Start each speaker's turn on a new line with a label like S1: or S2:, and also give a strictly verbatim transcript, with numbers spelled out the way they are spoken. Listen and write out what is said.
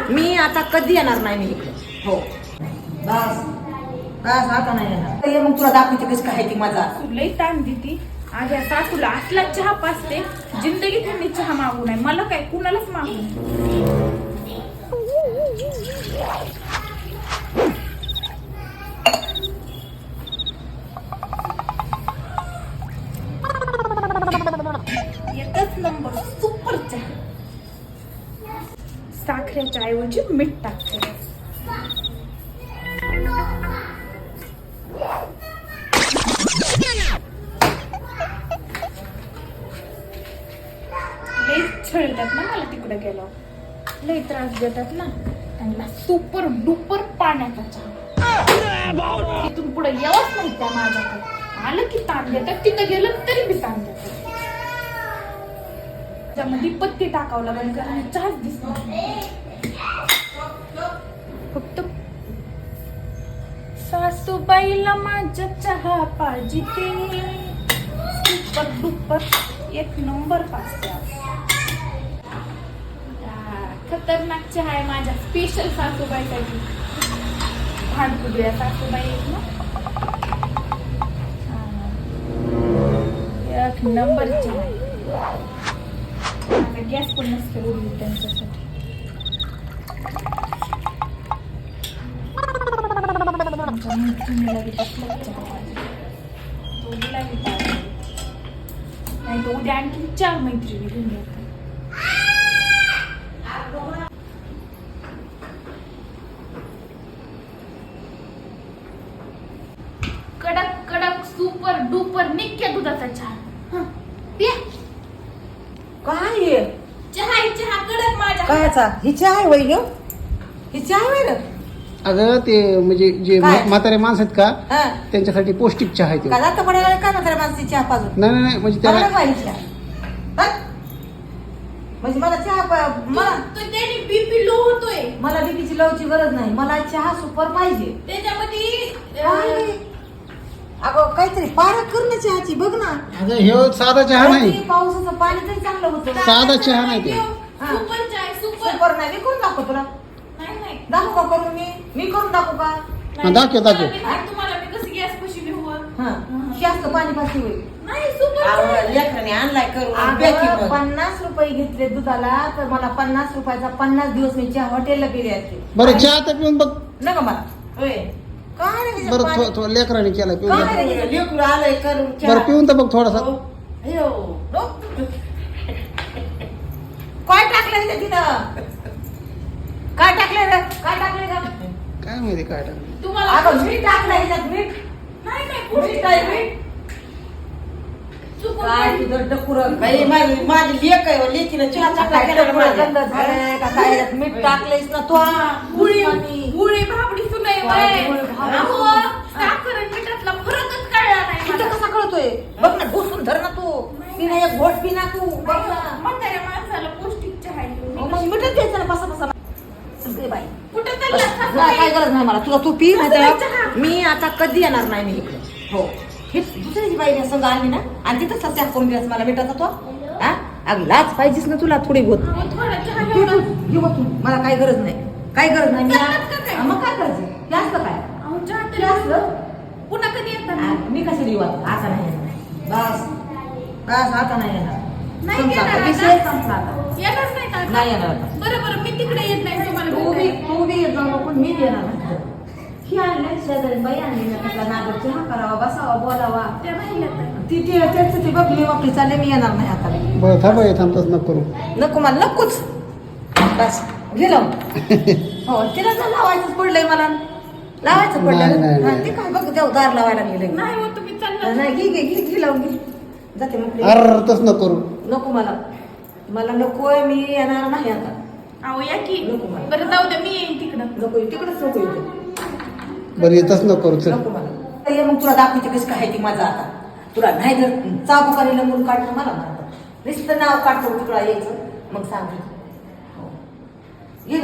S1: मी आता कधी येणार नाही मी इकडे. हो बस बस आता नाही येणार. ये मग तुला दाखवते कशी काय ती माझा.
S2: लई ताण देती आज या सासूला असला चहा पाचते. जिंदगी त्यांनी चहा मागू नये मला काय कुणालाच मागू नये. एकच नंबर सुपर चहा. साखरेच्या ऐवजी मीठ टाकते. लई छळतात ना मला तिकडे गेलो. लई त्रास देतात ना त्यांना. सुपर डुपर पाण्याचा चहा. तिथून पुढे यावंच नाही त्या माझ्याकडे. आलं की ताण देतात. तिथं गेलं तरी बी ताण देतात. त्यामध्ये पत्ती टाकावं लागेल कारण चहाच दिसणार नाही. फक्त सासूबाईला माझ्या चहा पाहिजे. सुपर डुपर एक नंबर पाचते. खतरनाक चहा आहे माझ्या स्पेशल सासूबाईसाठी. भांडकुदळ्या सासूबाई आहेत ना. एक नंबर चहा आहे. आता गॅस पण नसते उडली त्यांच्यासाठी. आमच्या मैत्रिणीला बी बसला चहा पाहिजे. दोघीला बी पाहिजे. नाही तर उद्या आणखी चार मैत्रिणी घेऊन येतात. कडक कडक सुपर डुपर निक्क्या दुधाचा चहा. हं, प्या.
S1: काय आहे?
S2: चहा आहे चहा कडक माझ्या.
S1: कायचा ही चहा आहे वय ह्यो? ही चहा आहे रे?
S3: अगं ते म्हणजे जे
S1: काय?
S3: म्हातारे माणसं आहेत का
S1: हा
S3: त्यांच्यासाठी पौष्टिक चहा आहे तो.
S1: का जातं पडायला काय म्हाताऱ्या माणसाची चहा पाजून?
S3: नाही नाही नाही, म्हणजे
S1: मला
S3: त्याला
S1: पाहिजे चहा. हं? म्हणजे मला चहा पा- मला
S2: तो त्याने बीपी लो होतोय.
S1: मला बीपीची लवची गरज नाही. मला चहा सुपर पाहिजे.
S2: त्याच्यामध्ये
S1: काय?
S2: अं,
S1: अगं काहीतरी पारख कर ना चहाची. बघ ना
S3: अगं ह्यो साधा चहा नाही.
S1: किती पावसाचं पाणी तरी चांगलं होतं.
S3: साधा चहा नाही ते.
S1: हा.
S2: सुपर चहा आहे, सुपर.
S1: सुपर नाही. मी करून दाखव तुला.
S2: नाही नाही
S1: दाखवू का करून मी मी करून दाखवू का?
S3: हा, दाखव, दाखव.
S2: तुम्हाला मी- तुम्हाला मी कसं गॅस कशी घेऊ?
S1: हा जास्त पाणी पाशी होईल.
S2: नाही सुपर चहा आहे.
S1: लेकराने आणलाय करून. पन्नास रुपये घेतले दुधाला तर मला पन्नास रुपयाचा पन्नास दिवस मी चहा हॉटेलला पिले असते.
S3: बरं चहा तर पिऊन बघ.
S1: नका मला होय काय नाही त्याच्यात
S3: बरं
S1: पाणी.
S3: थो- थो- लेकराने केला पिऊन
S1: काय
S3: बघ.
S1: नाही त्याच्यात. लेकरू आलंय करून चहा.
S3: बरं पिऊन तर बघ थोडासा.
S1: हो. अयो. नो. काय टाकलं तिथं तिथं? काय टाकलंय रे? काय टाकलंय का?
S3: काय माहिती काय टाकलं.
S2: तुम्हाला
S1: अगं मीठ टाकलंय ह्याच्यात मीठ.
S2: नाही नाही
S1: मीठ
S2: पौष्टिक
S1: काय
S2: आहे.
S1: मीठ?
S2: चुकून
S1: काय
S2: पडली.
S1: तुझं डकुरं.
S4: बाई माझी माझी लेक आहे हो, लेकीनं चहा चांगला
S1: काय
S4: केला
S1: डकुरं
S4: माझ्या.
S1: गंध झालंय का काय ह्याच्यात मीठ टाकलंयस ना तू?
S2: गुळी
S1: आणि-
S2: गुळी भाबडी सुनाई
S1: काय गुळी भाबडी?
S2: अहो साखर आणि मिठातला फरकच कळला नाही
S1: तिथं
S2: मला.
S1: कसा कळतोय? बघ ना घोसून धर ना तू. पिना एक घोट पिना तू. बघ ना.
S2: म्हाताऱ्या माणसाला पौष्टिक चहा आहे.
S1: हो, मग मिठच द्यायचं ना बसा बसा. सगळे बाई
S2: कुठं
S1: बस.
S2: चालला
S1: नाही,
S2: सासूबाई?
S1: काय गरज नाही मला. तुला तू पी नाही
S2: चहा.
S1: तर मी आता कधी येणार नाही मी इकडे. हो हे दुसऱ्याची बाई संग आली ना आणि तिथंच चहा करून द्यायचं मला मिठाचा तो. हा अगं लाच पाहिजेच ना तुला थोडी बहुत.
S2: अहो, थोडा चहा
S1: तू-
S2: घेऊ ना.
S1: तू- घेऊ बघ तू. मला काही गरज नाही. काही गरज नाही. मी
S2: चालत का काय?
S1: हा, मग काय करायचं? जास्त काय
S2: अहो, चहा तरी
S1: जास्त
S2: पुन्हा कधी येतात?
S1: आ, मी कशी देऊ आता? आता नाही येणार. बस बस आता नाही येणार.
S2: नाही
S1: संपला आता.
S2: येणार
S1: विषय
S2: आता?
S1: संपला आता.
S2: येणार नाही का?
S1: नाही येणार आता.
S2: बरं बरं मी तिकडे येत नाही तुम्हाला
S1: तू बी
S2: भेटायला.
S1: तू बी येत जाऊ नको. मी बी येणार नाही. ही आणले शेजारी बाई आणली ना त्यातला नागर चहा करावा बसावा बोलावा.
S2: त्या राहिल्या तर.
S1: ती ती त्यांचं ती बघली वापरी चालले. मी येणार नाही आता.
S3: बरं थांबा हे थांबतच नको करू.
S1: नको मला नकोच. बस गेलो. हो तिला जर लावायचंच पडलंय मला. लावायचं
S3: नाही, नाही,
S1: पडलं हा,
S3: नाही.
S1: ते काय बघ जाऊ दार लावायला गेले.
S2: नाही हो तुम्ही चालला.
S1: नाही घे घे घे घे लावून घे. जाते मग
S3: अर तस नको करू.
S1: नको मला. मला नकोय. मी येणार नाही आता.
S2: अहो या की.
S1: नको मला.
S2: बरं जाऊ द्या मी येईन तिकडं.
S1: नको तिकडेच नको येतो.
S3: बरं येतच नको करू चल.
S1: नको मला. ये मग तुला दाखवते कशी काय ती माझा आता. तुला नाही जर चाबुकाने लंबून काढणं मला म्हणतात. नुसतं नाव काढतो तुला यायचं मग सांग.